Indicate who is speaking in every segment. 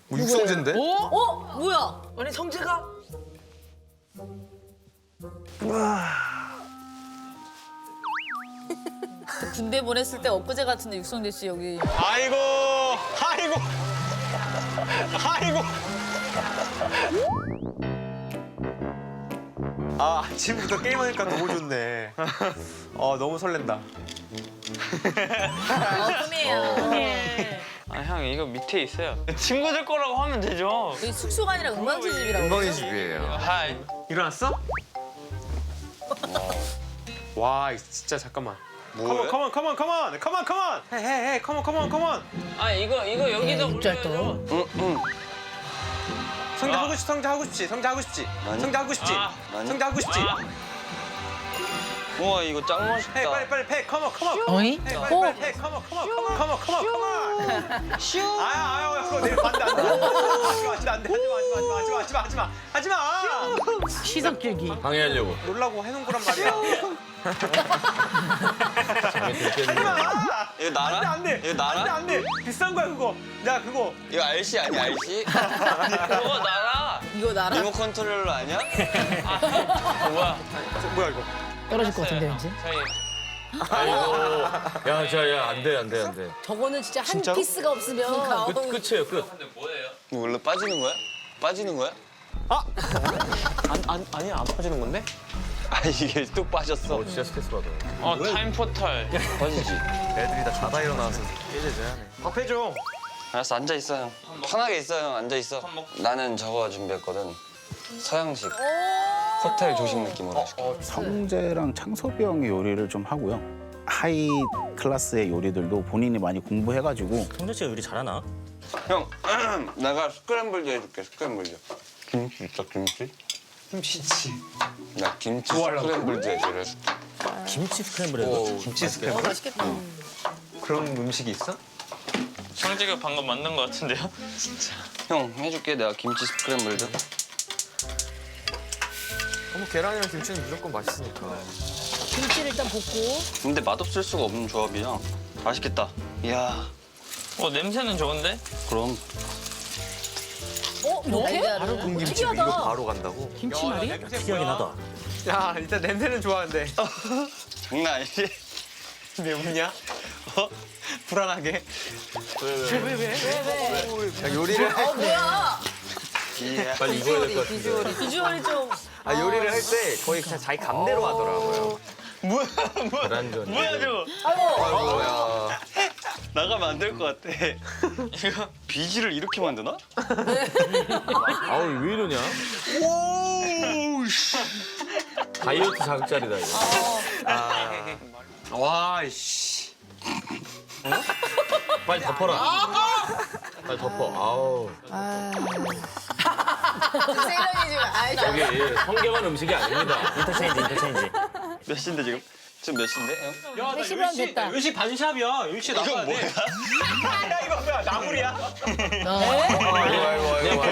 Speaker 1: 육성재인데?
Speaker 2: 뭐야?
Speaker 3: 아니 성재가?
Speaker 2: 군대 보냈을 때 엊그제 같은데 육성재 씨 여기.
Speaker 4: 아이고, 아이고, 아이고. 아, 아침부터 게임하니까 너무 좋네. 너무 설렌다.
Speaker 2: 꿈이에요.
Speaker 5: 아, 형 이거 밑에 있어요. 친구들 거라고 하면 되죠.
Speaker 2: 여기 숙소가 아니라 은광지 집이라고.
Speaker 1: 은광이 집이에요.
Speaker 5: 하이.
Speaker 4: 일어났어? 와, 진짜 잠깐만.
Speaker 5: 뭐해?
Speaker 4: 컴온. 헤헤헤, 컴온.
Speaker 5: 아, 이거 여기다 올려야죠.
Speaker 4: 성재 하고 싶지. 성재 하고 싶지.
Speaker 5: 아, 우와, 이거 짱 멋있다.
Speaker 4: 헤, 빨리 패. 컴온.
Speaker 3: 어이?
Speaker 4: 헤, 빨리 패. 컴온. 슈. 아유, 그거 내일 반대 안 돼. 하지 마.
Speaker 3: 시석 길기.
Speaker 1: 방해하려고.
Speaker 4: 놀라고 해놓은 거란 말이야. 하지 마.
Speaker 5: 이거 나라?
Speaker 4: 안 돼.
Speaker 5: 이거 나라?
Speaker 4: 안 돼. 비싼 거야 그거. 야 그거.
Speaker 5: 이거 RC 아니야, RC? 그거 나라?
Speaker 2: 이거 나라.
Speaker 5: 리모 컨트롤러 아니야? 뭐야?
Speaker 4: 뭐야 이거.
Speaker 3: 떨어질 것 같은데 왠지.
Speaker 5: 저희
Speaker 1: 야, 안 돼.
Speaker 2: 저거는 진짜 한
Speaker 4: 진짜로?
Speaker 2: 피스가 없으면
Speaker 1: 끝이에요, 끝.
Speaker 5: 이거 원래 빠지는 거야?
Speaker 4: 아니야 안 빠지는 건데?
Speaker 5: 아, 이게 뚝 빠졌어.
Speaker 1: 진짜 스트레스 받아.
Speaker 5: 타임 포탈. 빠지지.
Speaker 1: 애들이 다 자다 일어나서 깨져야 하네.
Speaker 4: 밥 해줘.
Speaker 5: 알았어, 앉아 있어, 형. 편하게 있어, 형. 앉아 있어. 나는 저거 준비했거든. 서양식. 호텔 조식 느낌으로 해줄게.
Speaker 6: 성재랑 창섭이 형이 요리를 좀 하고요. 하이 클래스의 요리들도 본인이 많이 공부해가지고
Speaker 7: 성재 씨가 요리 잘하나?
Speaker 5: 형, 내가 스크램블도 해줄게, 스크램블도. 김치 있어, 김치?
Speaker 4: 김치지.
Speaker 5: 나 김치 스크램블도 해줄게.
Speaker 7: 김치 스크램블 해도?
Speaker 4: 김치 스크램블?
Speaker 2: 맛있겠다.
Speaker 4: 그런 음식이 있어?
Speaker 8: 성재가 방금 만든 것 같은데요?
Speaker 5: 형, 해줄게, 내가 김치 스크램블도.
Speaker 1: 계란이랑 김치는 무조건 맛있으니까.
Speaker 2: 김치를 일단 볶고.
Speaker 5: 근데 맛없을 수가 없는 조합이야. 맛있겠다. 이야,
Speaker 8: 냄새는 좋은데?
Speaker 5: 그럼.
Speaker 2: 이렇게?
Speaker 1: 바로 군김치 이거 바로 간다고?
Speaker 3: 김치말이?
Speaker 7: 특이하긴 하다.
Speaker 4: 야 일단 냄새는 좋아하는데.
Speaker 5: 장난 아니지?
Speaker 4: 왜 웃냐? 불안하게.
Speaker 1: 야, 요리를
Speaker 2: 뭐야?
Speaker 5: 이야.
Speaker 1: 빨리 입어야 될 것 같은데.
Speaker 2: 비주얼이 좀.
Speaker 1: 요리를 할 때 거의 그냥 자기 감대로 하더라고요.
Speaker 5: 뭐야?
Speaker 1: 계란전.
Speaker 5: 뭐야, 저거?
Speaker 1: 아이고야.
Speaker 5: 나가면 안 될 것 같아. 이거 비지를 이렇게 만드나?
Speaker 1: 아우, 왜 이러냐? 다이어트 자극자리다, 이거.
Speaker 4: 와 씨.
Speaker 1: 빨리 덮어라. 빨리 덮어. 아우.
Speaker 2: 세련이 지금 아이
Speaker 1: 여기 성게만 음식이 아닙니다.
Speaker 7: 인터체인지.
Speaker 5: 몇 시인데 지금? 지금 몇 시인데, 형?
Speaker 4: 야, 나
Speaker 2: 10분 하면 됐다.
Speaker 4: 10시 반샵이야. 10시
Speaker 5: 이거
Speaker 4: 나가야
Speaker 5: 뭐야?
Speaker 4: 돼. 야, 이거 뭐야? 나물이야?
Speaker 1: 그냥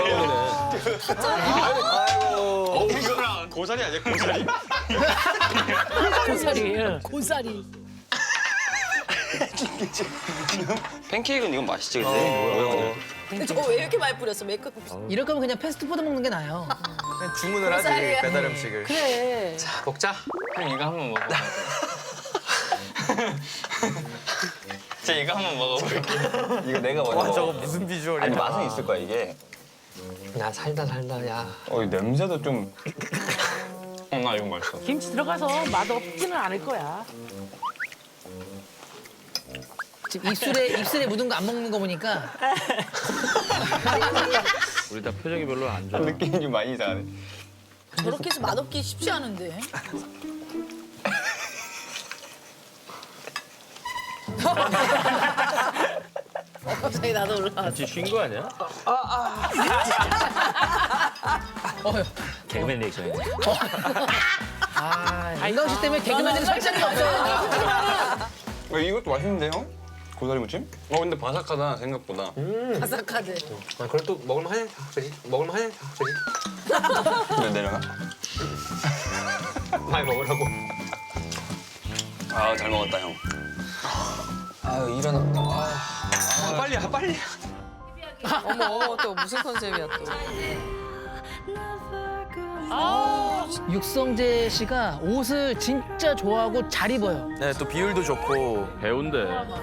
Speaker 1: 그러면은.
Speaker 5: 이거랑 고사리 아니야, 고사리?
Speaker 3: 고사리.
Speaker 2: 고사리.
Speaker 5: 팬케이크는 이건 맛있지, 근데?
Speaker 2: 근데 저거 왜 이렇게 많이 뿌렸어? 메이크업.
Speaker 3: 이럴 거면 그냥 패스트푸드 먹는 게 나아요.
Speaker 4: 그냥 주문을 하지.
Speaker 2: 고사리야.
Speaker 4: 배달 음식을.
Speaker 3: 그래.
Speaker 4: 먹자.
Speaker 8: 형 이거 한번 먹어봐. 제가 이거 한번 먹어볼게.
Speaker 5: 이거 내가 먼저
Speaker 4: 와, 저거
Speaker 5: 먹어.
Speaker 4: 무슨 비주얼이야.
Speaker 5: 아니, 맛은 있을 거야, 이게.
Speaker 4: 야, 살다, 야.
Speaker 5: 이 냄새도 좀...
Speaker 8: 나 이거 맛있어.
Speaker 3: 김치 들어가서 맛 없지는 않을 거야. 지금 입술에 묻은 거 안 먹는 거 보니까
Speaker 1: 우리 다 표정이 별로 안 좋아.
Speaker 5: 느낌이 좀 많이 이상하네.
Speaker 2: 저렇게 해서 맛없기 쉽지 않은데. 갑자기 나도 올라왔어.
Speaker 1: 김치 쉰거 아니야?
Speaker 7: 개그맨 리액션이네.
Speaker 3: 안경 씨 때문에 개그맨들이 설 자리가 없어요.
Speaker 5: 이것도 맛있는데, 형? 고사리 무침? 근데 바삭하다, 생각보다.
Speaker 2: 바삭하대.
Speaker 4: 그걸 또 먹을만 하냐? 그지? 먹을만 하냐? 그지?
Speaker 5: 왜 내려가?
Speaker 4: 많이 먹으라고.
Speaker 5: 아, 잘 먹었다, 형. 아유, 일어났다.
Speaker 4: 빨리.
Speaker 3: 어머 또 무슨 컨셉이야 또.
Speaker 9: 육성재 씨가 옷을 진짜 좋아하고 잘 입어요.
Speaker 4: 네, 또 비율도 좋고.
Speaker 7: 배운데.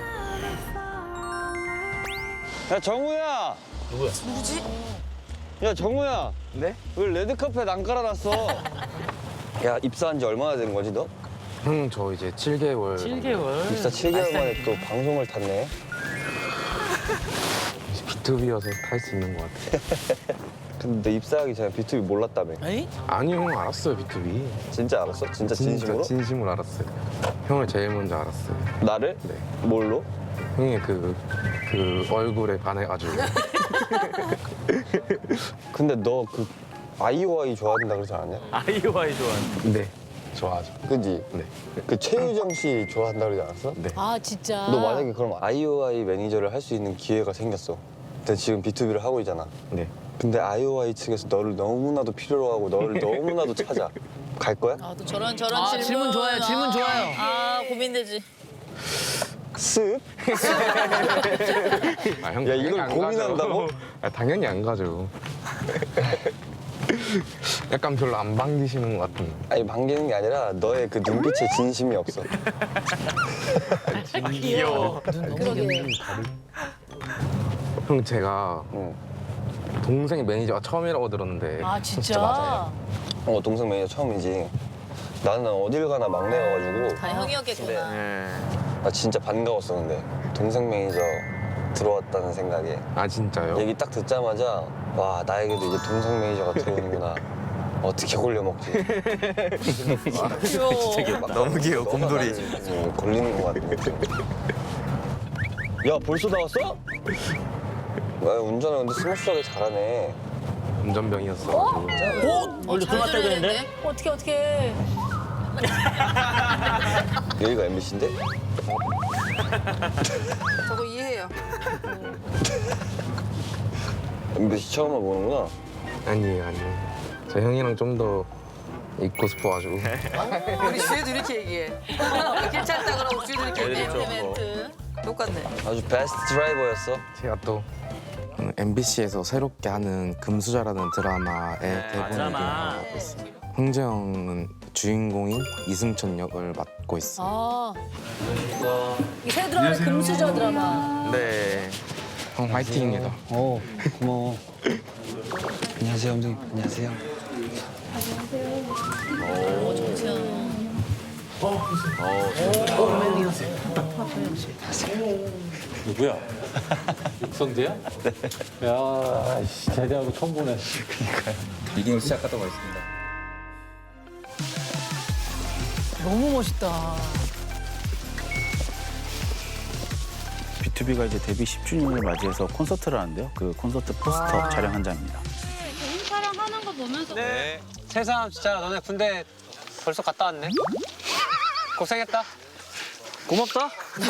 Speaker 5: 야 정우야.
Speaker 2: 누구지?
Speaker 5: 야 정우야. 네? 왜 레드카펫 안 깔아놨어? 야 입사한 지 얼마나 된 거지 너?
Speaker 10: 형 저 이제 7개월.
Speaker 9: 7개월.
Speaker 5: 입사 7개월 만에 또 방송을 탔네.
Speaker 10: B2B여서 탈 수 있는 것 같아.
Speaker 5: 근데 너 입사하기 전에 B2B 몰랐다며.
Speaker 9: 에이?
Speaker 10: 아니요, 형 알았어요, B2B.
Speaker 5: 진짜 알았어? 진짜 진심으로?
Speaker 10: 진심으로 알았어요. 형을 제일 먼저 알았어요.
Speaker 5: 나를?
Speaker 10: 네.
Speaker 5: 뭘로?
Speaker 10: 형의 그 얼굴에 반해가지고.
Speaker 5: 근데 너 그 아이오아이 좋아한다 그러지 않았냐?
Speaker 7: 아이오아이 좋아하는.
Speaker 10: 네, 좋아하죠.
Speaker 5: 그지?
Speaker 10: 네.
Speaker 5: 그 최유정 씨 좋아한다 그러지 않았어?
Speaker 10: 네.
Speaker 2: 아 진짜.
Speaker 5: 너 만약에 그럼 아이오아이 매니저를 할 수 있는 기회가 생겼어. 근데 지금 B2B를 하고 있잖아.
Speaker 10: 네.
Speaker 5: 근데 아이오아이 측에서 너를 너무나도 필요로 하고 너를 너무나도 찾아. 갈 거야?
Speaker 2: 아, 또 저런
Speaker 9: 질문 좋아요, 질문 좋아요.
Speaker 2: 아 고민되지.
Speaker 5: 쓱?
Speaker 10: 아, 형
Speaker 5: 야,
Speaker 10: 당연히
Speaker 5: 이걸
Speaker 10: 안
Speaker 5: 고민한다고?
Speaker 10: 가죠. 아, 당연히 안 가죠. 약간 별로 안 반기시는 것 같은.
Speaker 5: 아니 반기는 게 아니라 너의 그 눈빛에 진심이 없어.
Speaker 7: 귀여워.
Speaker 2: 그러게.
Speaker 10: 형 제가
Speaker 5: 응.
Speaker 10: 동생 매니저가 처음이라고 들었는데.
Speaker 2: 아 진짜.
Speaker 5: 동생 매니저 처음이지. 나는 어딜 가나 막내여가지고
Speaker 2: 다 형이었겠구나.
Speaker 5: 나 진짜 반가웠어. 근데 동생 매니저 들어왔다는 생각에
Speaker 10: 아 진짜요?
Speaker 5: 얘기 딱 듣자마자 와 나에게도 이제 동생 매니저가 들어오는구나. 어떻게 골려 먹지?
Speaker 2: 귀여워.
Speaker 4: 너무 귀여워, 곰돌이.
Speaker 5: 걸리는 것 같은 느낌. 야 벌써 나왔어? 왜 운전을 근데 스무스하게 잘하네.
Speaker 10: 운전병이었어가지고.
Speaker 7: 원래 술 마셔야 되는데?
Speaker 2: 어떻게.
Speaker 5: 여기가 MBC인데?
Speaker 3: 저거 이해해요.
Speaker 5: MBC 처음 와보는구나.
Speaker 10: 아니에요. 저 형이랑 좀 더 있고 싶어가지고.
Speaker 3: 우리 주에도 이렇게 얘기해. 괜찮다 그러고 주에도 이렇게 얘기해.
Speaker 2: 멘트.
Speaker 3: 똑같네.
Speaker 5: 아주 베스트 드라이버였어.
Speaker 10: 제가 또 MBC에서 새롭게 하는 금수저라는 드라마의 대본을
Speaker 7: 드라마.
Speaker 10: 맡고 있어요. 홍재영은 주인공인 이승천 역을 맡고 있어요.
Speaker 2: 아. 이새 드라마 금수저 드라마.
Speaker 10: 네. 형 화이팅입니다.
Speaker 5: 고마워. 안녕하세요, 감독님. 안녕하세요.
Speaker 2: 정치현.
Speaker 11: 누구야? 육성재야? 네. 야, 씨, 제대하고 처음 보네.
Speaker 4: 미팅을 시작하도록 하겠습니다.
Speaker 9: 너무 멋있다.
Speaker 6: B2B가 이제 데뷔 10주년을 맞이해서 콘서트를 하는데요. 그 콘서트 포스터 촬영 현장입니다.
Speaker 12: 개인 촬영하는 거 보면서
Speaker 4: 네. 세상 진짜 너네 군대 벌써 갔다 왔네. 고생했다.
Speaker 8: 고맙다.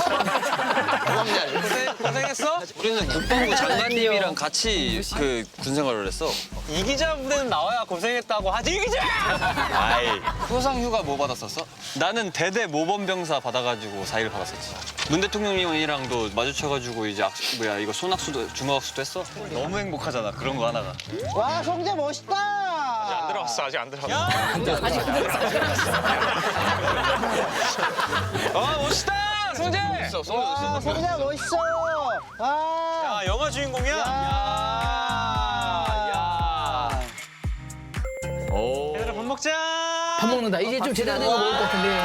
Speaker 4: 고생했어?
Speaker 5: 우리는 국방부 장관님이랑 같이 그 군생활을 했어.
Speaker 4: 이 기자 무대는 나와야 고생했다고 하지, 이 기자!
Speaker 5: 아이. 수상 휴가 뭐 받았었어? 나는 대대 모범병사 받아가지고 4일 받았었지. 문 대통령님이랑도 마주쳐가지고 이제 이거 손학수도 주먹학수도 했어. 너무 행복하잖아 그런 거 하나가.
Speaker 4: 와, 성재 멋있다!
Speaker 8: 안 들어왔어. 아직 안 들어왔어.
Speaker 4: 아, 멋있다! 성재!
Speaker 5: 와,
Speaker 4: 성재 멋있어! 야, 영화 주인공이야? 야. 얘들아, 밥 먹자!
Speaker 9: 밥 먹는다. 이제 좀 제대로 된 거 먹을 것 같은데.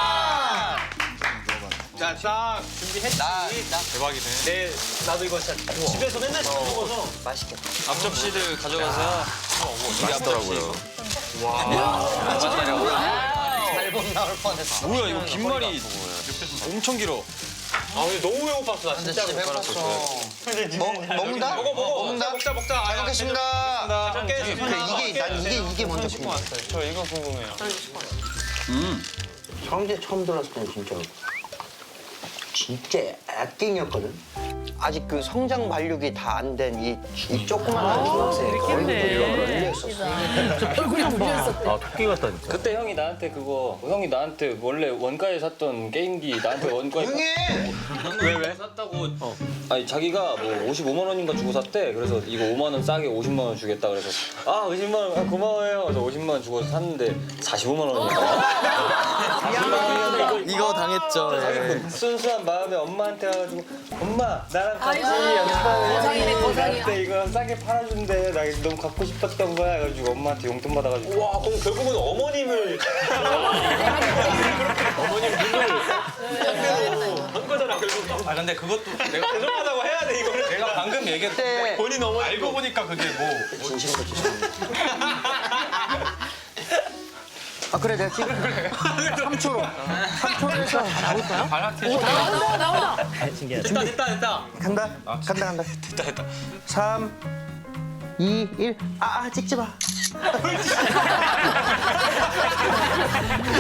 Speaker 4: 자, 딱 준비했지? 대박이네. 나도 이거 진짜 집에서 맨날 시켜 먹어서.
Speaker 5: 앞접시를 가져가서 맛있더라고요.
Speaker 4: 잘못 나올 뻔했어.
Speaker 5: 뭐야 이거 김말이 엄청 길어.
Speaker 4: 아, 근데 너무 배고팠어. 나 진짜 배고팠어. 먹는다? 먹는다? 먹자. 잘 먹겠습니다. 잘 먹겠습니다.
Speaker 11: 이게 먼저 궁금해.
Speaker 8: 저 이거 궁금해요.
Speaker 11: 성재 처음 들었을 때 진짜 액팅이었거든. 아직 그 성장 발육이 다 안 된 이 조그만한 중학생이 얼굴이 열렸었어.
Speaker 2: 얼굴이 눌렸었대.
Speaker 7: 아 토끼 같다 진짜.
Speaker 5: 그때 형이 나한테 원래 원가에 샀던 게임기 나한테 원가에 왜 샀다고 아니 자기가 뭐 55만 원인가 주고 샀대. 그래서 이거 5만 원 싸게 50만 원 주겠다 그래서 50만 원 고마워요. 그래서 50만 원 주고 샀는데 45만 원이야.
Speaker 10: 이거 당했죠.
Speaker 5: 자기 순수한 마음에 엄마한테 와가지고 엄마 나랑 같이
Speaker 2: 아이고,
Speaker 5: 연습하는
Speaker 2: 거상이네, 거상이야.
Speaker 5: 나한테 이거 싸게 팔아준대. 나 이거 너무 갖고 싶었던 거야. 해가지고 엄마한테 용돈 받아가지고
Speaker 8: 와 그럼 결국은 어머님을 어머님 눈을 한 거잖아 결국.
Speaker 5: 아 근데 그것도 내가
Speaker 8: 죄송하다고 해야 돼 이거를.
Speaker 5: 내가 방금 얘기했는데
Speaker 8: 본인 어머니
Speaker 5: 알고 보니까 그게 뭐
Speaker 11: 진심으로 죄송합니다. 아 그래 내가 지금 3초로 3초로 해서
Speaker 2: 나온다.
Speaker 5: 됐다.
Speaker 11: 간다.
Speaker 5: 됐다.
Speaker 11: 3 2 1 찍지 마.